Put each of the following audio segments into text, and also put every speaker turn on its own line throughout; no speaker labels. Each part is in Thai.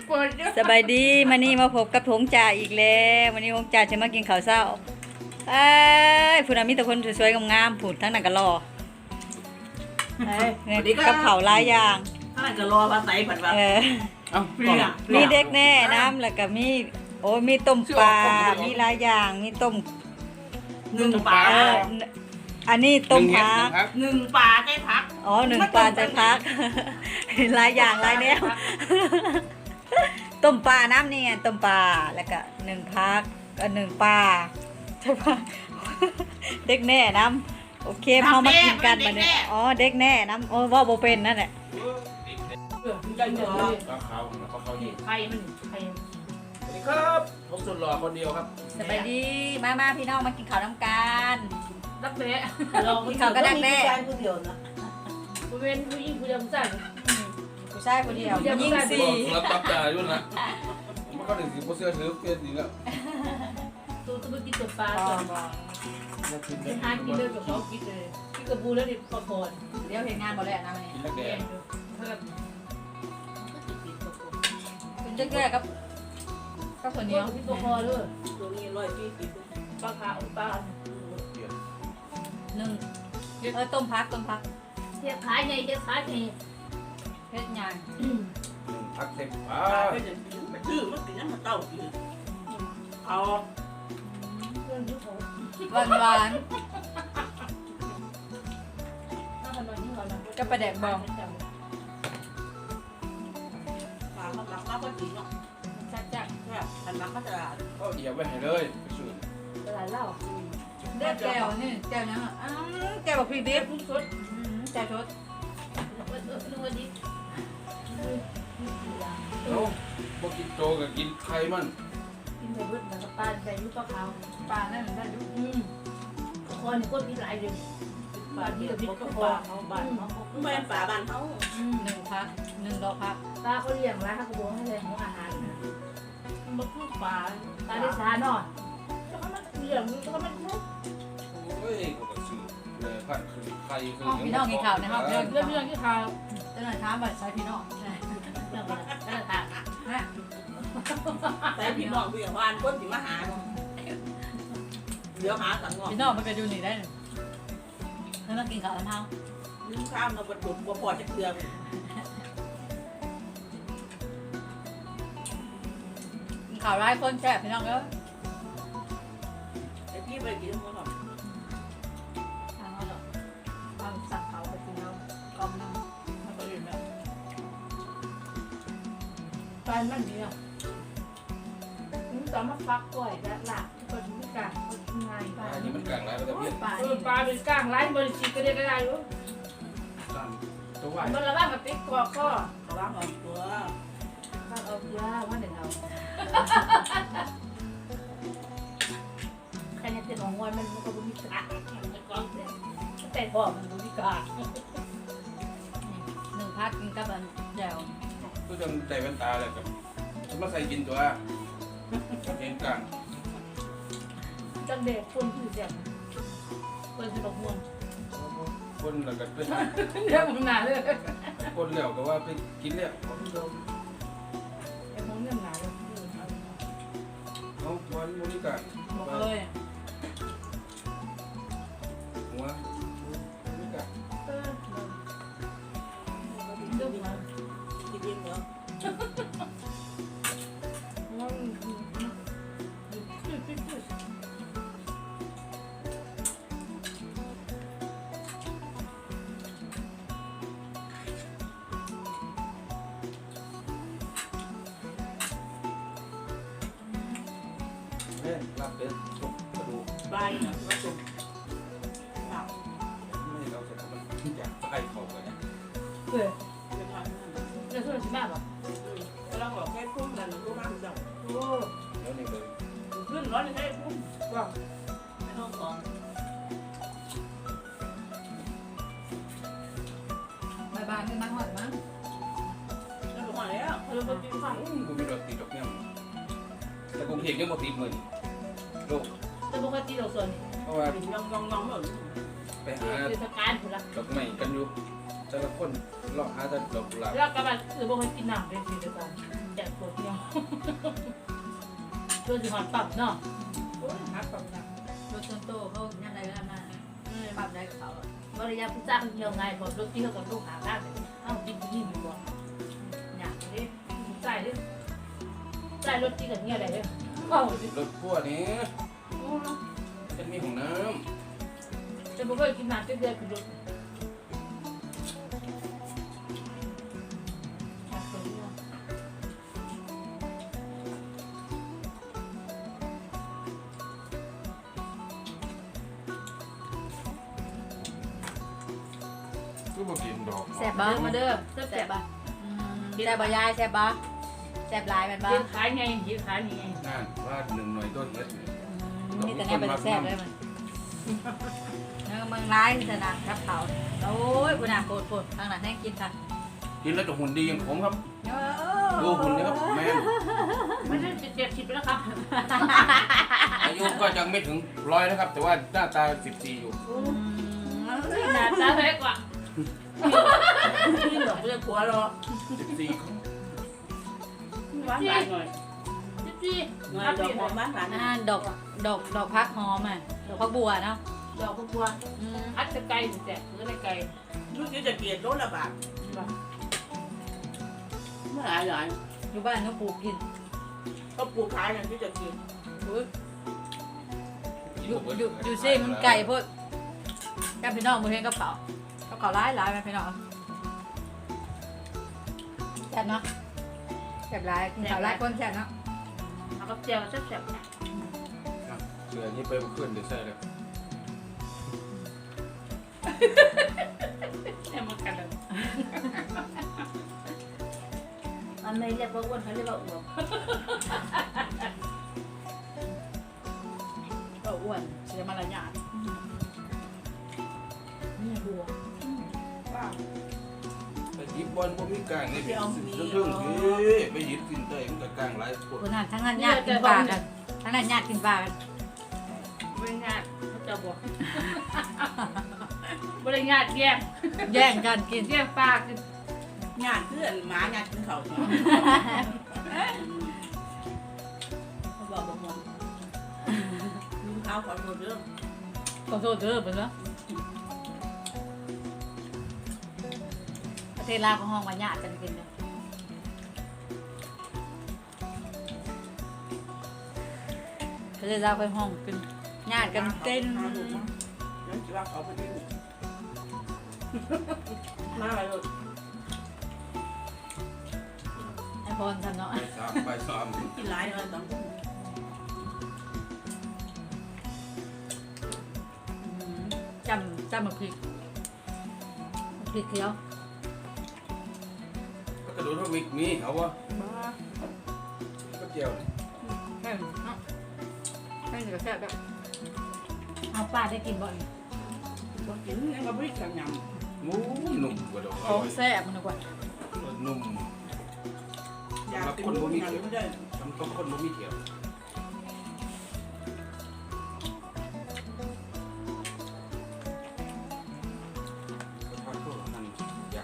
เปิดอยู่
สบายดีมานี่มาพบกับหงจ่าอีกแล้ววันนี้หงจ่าจะมากินข้าวเช้าเอ้ยผู้นั้นมีแต่คนสวยๆงามๆผุดทั้งนั้นก็รอเนี่ยกับเผาวหลายอย่าง
ถ้าจะรอภาษาผัดแบบ
เออ
เอ้า
มีเด็กแน่น้ำแล้วก็มีโอ้ยมีต้มปลามีหลายอย่างมีต้ม
หนึ่งปลา
เอออันนี้ต้มผัก
หนึ่งปลาใกล้พัก
อ๋อหนึ่งปลาใจพัก หลายอย่างหลายแนว ต้มปลาน้ำนี่ไงต้มปลาแล้วก็หนึ่งพักก็หนึ่งปลาใช่ปะ เด็กแน่น้ำโอเคพอมากินกันมาเนี่ยอ๋อเด็กแน่น้ำโอ้ว่าโบเป็นนั่นแหละ
ใจเดือดเลย
ปลาขาวปลาขาวนี่
ไข่มันไข่
สวัสดีครับผมสุดหล่อคนเดียวครับ
สบายดีมาพี่น้องมากินข้าวน้ำกัน
รักแร้
กินข้าวก็ดักแน่
ผู้เดียวนะผู้เป็นผู้หญิงผู้เดียวผู้ชาย
ผู้ชายคนเดียวยิ่งสี่
รับตับจ่าอยู่นะผมก็ถึงสิบเสื้อถือเปลี่ยนอีกแล้ว
ตัวตัวกินตัวปลาตัวเป็นทานกินเลยกับเขากินเลยกินกับบูแล้วดิปลาคอน
เดี๋ยวเห็นงานบ่แล้วนะมันนี่
กินแล้วแก
แกงเพิ่ม
เป็นเจ๊แก่กับข้าวเหนี
เนี้
ย
ยว พี่ปลาคอเลย
ตัวนี้140
ปลาขาวปลา
หนึ่งต้มพัก
เทียบขายไงเทียบขายไง
เพชรยาง
พักเสร็จ
ปลาก็จะมันชื่อมันเป็นยังมันเต้าคือเอา
เพื่อนยุคเขา
หวาน
ถ้ามันนอนนี่เขานอน
กับปลาแดกบอง
ปลามันรักมากกว่าจริงเนาะ
จัดจัด
แค่อันรักมาตลาด
ก็เดี๋ยวไปให้เลยไปสูตร
ตลาดเหล้า
เด็กแก้วนี่แก้วยังอ่ะแก้วแบบพริกดิบ
พุ่งสด
แก้วชด
นึกว่าดิ
โอ้พวกกินโจกับกินไข่มัน
กินไปเบิดมันก็ปลาใส่ลูกปลาขาว
ปลานั่นได้ดู
คอนก้นมีหลายเดือน
ปลาที่เขาก็ปลาเขาบ้านเขาไม่เป็นปลาบ้านเขา
หนึ่งพักหนึ่งดอกพัก
ปลาเขาเลี้ยงแล้วเขาบอกให้แรงของอาหาร
มันคือปลา
ปลาได้สานอนแล้วก็มันเลี้ยงแล้วก็มันมุก
โอ้ยก็กระสือเลยพันคือไข่คือ
เรื่องที่เขา
เจ้าหหน้าท้าบัตรใช้พี่น้อง
เรื่องอะไรก็เลยถาม
ฮะ
แต่พี่น้องพี่วานคนที่มาหาเดี๋ยวหาสังงอ
พี่น้องมันก็ดูนี่ได้เฮ้ยมากินข้าวน้ำเท้า
ลืมข้ามเราบรรจุบ่พอจะเกลือ
กินข้าวร้ายคนแซ่บพี่น้องเอ้ย
ไอ้พี่ไปกินมันหรอก
ทางเขาหรอกความสั่งเขาไปกินเรากอมน้ำมันก็อยู่แบบ
ปลามันดีอ่ะนี่ตอนมาฟักก่อยและหลักก็ถึงการก็ทำงานปลา
อันนี้มันกลางแล้วก็จะเปลี่ยน
ปลา
ปลาเป็นก้างไร้บริจิตก็ได้ก็ได้รู้
ตัวไหว
มันระว่างกับติ๊กคอข้อ
ระวังออกตัว
ข้างเอาเยอะว่าเดี๋ยวเราใครเนี่ยเป็นของงอนมันก็บุญกามันก็แต่พ่อมันบุญกา
หนึ่งพักกินกับอันเดียว
ก็จนใจแว่นตาเลยกับฉันมาใส่กินตัวเองกลาง
จังเด็กคนคือเสียงคนจะบอกม่วง
คนแล้วก็เป็น
เรื่องมันหนาเลย
คนแล้วก็ว่าไปกินแล้ว
ไอ้พวกเรื่องหนาเลย
เอาวันบริการ
บอกเลย
หัวบริการ
เออเรื่องมัน
กินเองเหรอ
เล่นลาบเป็ดสุกกระดูก
ใบนะมาสุกผัก
ไม่เราจะทำมันอยากใส่เขาเลย
เพื่อ
เป็นผัก
เรื่องส่วนสิบแบบอ่ะ
เราบอกแค่พุ่งกันรู้มากจัง
โอ้
แล้วนี่เลย
ขึ้นร้อนให้พุ่ง
ว่า
ไม่ต้องของ
บายๆขึ้นมาหอดมั้ง
แล้วบอกแล้ว
เราไปกินข้าว
กูมีรถติดดอกเนี่ยแต่กูเห็นยังหมดติดเลยโลก
แต่ปกติเราส่วน
เพราะว่า
ยองเหมือน
ไปหา
เทศกาลคนละ
ดอกไม้กันอยู่แต่ละคนเลาะหาแต่ดอกกุหลาบ
แล้วก็แบบคือบอกให้กินน้ำเป็นสิ่งเดียวกันแจกคนตัวสิหอนปรับเนาะโอ้ยหาปรับนะ
รถชนโตเขาย่ำไรก็ทำมาปรับได้กับเขา
บริยาผู้จ้างเดียวไงผมรถที่เขากับลูกหาได้เลยเอ้าจริงจริงมีบ่อยากเลยใส่เลยใส่รถที่กับเงี้ยอะไรเลยเอ้าร
ถพ่วงนี้จะมีของน้
จะไม่เคยกินน้ำเดือดคือรถ
ำก็บอกกินดอก
แซ่บบ่
มาเด้อแซ่
แซ่
บบ
บ่แซ่บบ่ยายแซ่บบ่แซ่บหลายมันบ่
เห็นขายไงเห็นขายไง
นั่นว่าหนึ่งหน่วยต้นเม็ด
นี่แต่เนี่ยเป็นแซ่บเลยมันเมืองร้ายสนามครับเขาโอ้ยคุณอาโคตรทางนั้นให้กินค่ะ
กินแล้วจะหุ่นดีอย่างผมครับดูหุ่นนะครับแม่
ไม่ใช่70แล้วครับ
อายุก็ยังไม่ถึง100นะครับ แต่ว่าหน้าตา14อยู่
หน้าตาเล็กกว่า
พี่ดอกเบี้ยผัวรอ
14ครับ
หวานหวานหน่อย
14
หน่อยดอกหอมหวานหวาน
ดอกพักหอมอ่ะดอกพักบัวเนาะ
ดอกบัวอัดจะไกลแต่หรืออะไรไกล
ลูกที่จะเกลียดรถละบาทเมื่อไหร่
อยู่บ้านน้องปลูกกิน
ก็ปลูกขายอย่างที่จะกิน
อยู่ซิมันไก่พวกแกพี่น้องมือเห็นกระเป๋าร้ายไหมพี่น้องแซ่บเนาะแซ่บร้ายกินข้าวร้ายคนแซ่บเนาะ
เอากับเจียวแซ่บๆ
เหลือนี่ไปเพื่อนเดี๋ยวใส่เลย
แซ่บเหมือนกันเลยมันไม่เรียกว่าอ้วนเขาเรียกว่าอ้วน
ก็อ้วนเสียมารยาท
นี่บัว
ว้าว
ไปหยิบบอลพวกมีกลางนี่เรื่องพี่ไปหยิบกินเตยมันก็กลางหลายพวก
คนนั้นทั้งนั้นญาติกินปลากันทั้งนั้นญาติกินปลากัน
บริงานเขาจะบอกบริงานแย่ง
แย่งกันกิน
แย่งปลากิน
งานเพื่อนหมาหยาดกินเขาเขาบอกว่าลุงเขาขอโทษเรื่อง
ขอโทษเด้อเพิ่นเนาะประเทศลาวก็ห้องว่าญาติกันกินเนาะประเทศลาวไปห้องกินญาติกันเต้น
นั่นจะว่าเขาไปที่มาอะไรลูก
ไอพรทำเนาะ
ไปซ้อม
กินหลายเลยสองคน
จำมะพริกเขียว
ก็กระโดดว่ามีเอาวะ
บ้า
ก็เจียว
แค่เนาะแค่นี้ก็แซ่บแล้วเอาปลาได้กินบ่อย
บอกกินยังก็ไม่ได้ยำ
หมูหนุ่มกระโดด
ของแซ่บมันกว่า
หนุ่ม
อยากกินรู้ยังไม่ได้
ทำต้มข้นบะหมี่เขียวผัดพวกนั้นอย่าง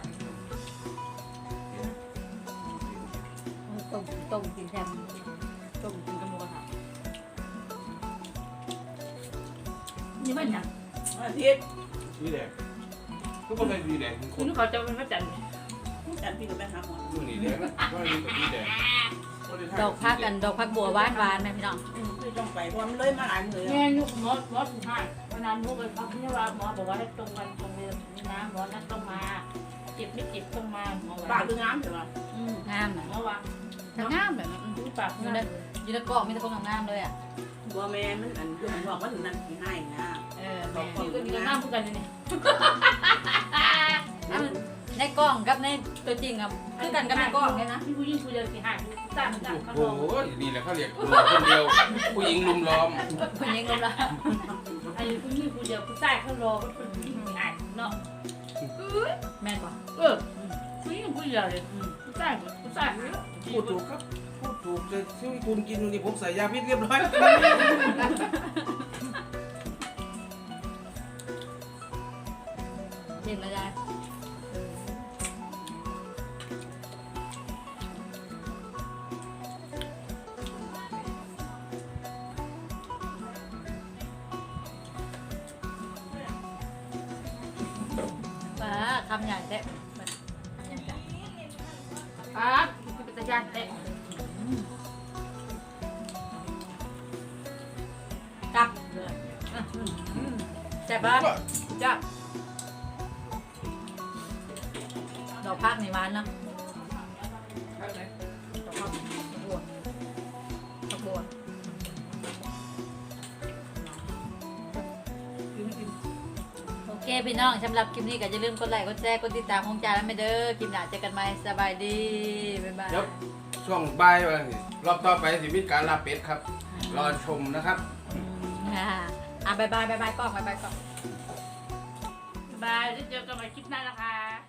ต้มกินแทนต้มกินกับหมูกระทะ
นี่มันอย่าง
อาทิตย์
นี่แดงก็ไม่ใช่ดีแดงค
คุ
น
ณเขาจะเป็นพระจันทร์
จันพี่กับแม่หาหมอ
นู่นนี่แดงก็นี่กับนี่แดง
ดอกพักบัวหวานไหมพี่น้อง
พี่ต้องไปเพราะมันเลยมาหลายมือ
แม่ยุคหมอสุดท้ายวันนั้นลูกไปพักที่ว่าหมอบอกว่าให้ตรงวันตรงเวลานี่นะหมอนัดต้องมาเจ็บไม่เจ็บต้องมาหมอ
ปา
ว่าก
คืองามใช่ไหม
งามนะ
หมอว่า
งามแบบนั้น
ดูปาก
อยู่
นี่
ใน
นะ
อยู่ในกล่องมีแต่ของงามเลยอ่ะ
บัวแม่มันอันคือมันบอกว่าถึงนั่นง่ายนะ
แม่
นี่ก็มีก็น้ำพูดกันนี่
ในกล่องกับในตัวจริงอ่ะคือกันกับในกล่องเนี่ยนะ
พี่ผู้หญิงผู้เดียวสิหายต่างกันเขา
โอ้
ลอง
โหนี่แหละเขาเรียกคนเดียวผู้หญิงลุมล้อม
คนยิงลงละ
ไอ้ผู้หญิงผู้เดียวผู้ชายเขารอก็เป็นผู้หญิงหายเนาะ
แม่นป่ะ
ผู้หญิงผู้เดียวเลยผู้ชายเนี่ย
พูดถูกครับพูดถูกแต่ที่คุณกินนี่ผมใส่ยาพิษเรียบร้อย
เห็นแล้วยายคำใหญ่แท้แบบใหญ่จัง
ครับคือเป็นตะยานเตะ
กลับ
เลย
แซ่บปะจ้าดอกพักในวันเนาะดอกพักบัวดอกบัวโอเคพี่น้องสำหรับคลิปนี้ก็อย่าลืมกดไลค์กดแชร์กดติดตามของจาแล้วไม่เด้อคลิปหน้าเจอกันใหม่สบายดีบ๊ายบาย
เดี๋ยวช่วงบ่ายวันนี้รอบต่อไปสิมีการลาเป็ดครับ รอชมนะครับ
บายบายกล้องบายบายกล้อง
บายแล้วเจอกันใหม่คลิปหน้านะคะ